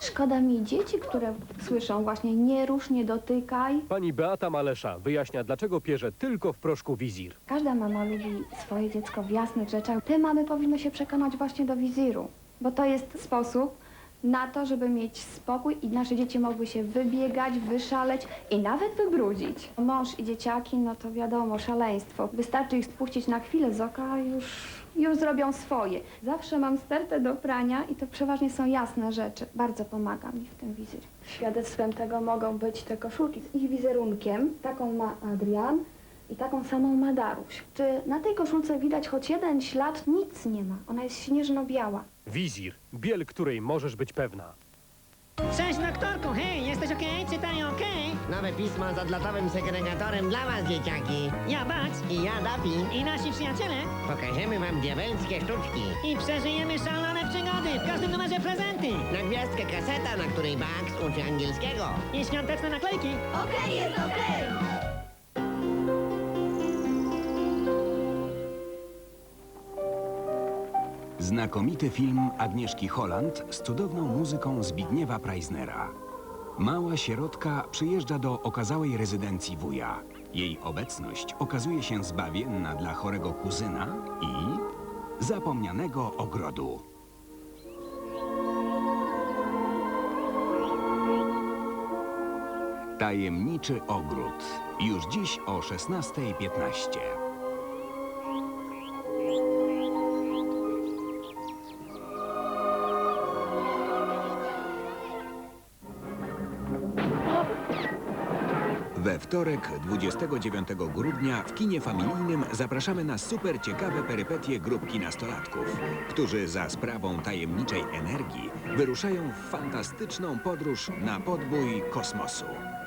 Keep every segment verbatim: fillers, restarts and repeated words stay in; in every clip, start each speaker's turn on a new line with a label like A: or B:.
A: Szkoda mi dzieci, które słyszą właśnie nie rusz, nie dotykaj.
B: Pani Beata Malesza wyjaśnia, dlaczego pierze tylko w proszku wizir.
A: Każda mama lubi swoje dziecko w jasnych rzeczach. Te mamy powinny się przekonać właśnie do wiziru, bo to jest sposób na to, żeby mieć spokój i nasze dzieci mogły się wybiegać, wyszaleć i nawet wybrudzić. Mąż i dzieciaki, no to wiadomo, szaleństwo. Wystarczy ich spuścić na chwilę z oka, już, już zrobią swoje. Zawsze mam stertę do prania i to przeważnie są jasne rzeczy. Bardzo pomaga mi w tym wizir. Świadectwem tego mogą być te koszulki z ich wizerunkiem. Taką ma Adrian i taką samą ma Daruś. Czy na tej koszulce widać choć jeden ślad? Nic nie ma. Ona jest śnieżno-biała.
B: Wizir, biel której możesz być pewna.
C: Cześć, doktorku, hej, jesteś okej? Czytaj okej?
D: Nowe pismo z odlotowym segregatorem dla was, dzieciaki.
C: Ja Bugs
D: I ja, Daffy.
C: i nasi przyjaciele
D: Pokażemy wam diabelskie sztuczki.
C: i przeżyjemy szalone przygody, w każdym numerze prezenty
D: Na gwiazdkę kaseta, na której Bugs uczy angielskiego.
C: i świąteczne naklejki.
A: Okej, jest okej!
E: Znakomity film Agnieszki Holland z cudowną muzyką Zbigniewa Preisnera. Mała sierotka przyjeżdża do okazałej rezydencji wuja. Jej obecność okazuje się zbawienna dla chorego kuzyna i zapomnianego ogrodu. Tajemniczy ogród. Już dziś o szesnastej piętnaście. We wtorek, dwudziestego dziewiątego grudnia, w kinie familijnym zapraszamy na super ciekawe perypetie grupki nastolatków, którzy za sprawą tajemniczej energii wyruszają w fantastyczną podróż na podbój kosmosu.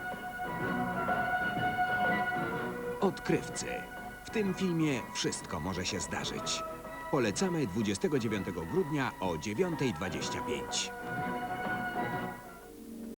E: Odkrywcy. W tym filmie wszystko może się zdarzyć. Polecamy dwudziestego dziewiątego grudnia o dziewiątej dwadzieścia pięć.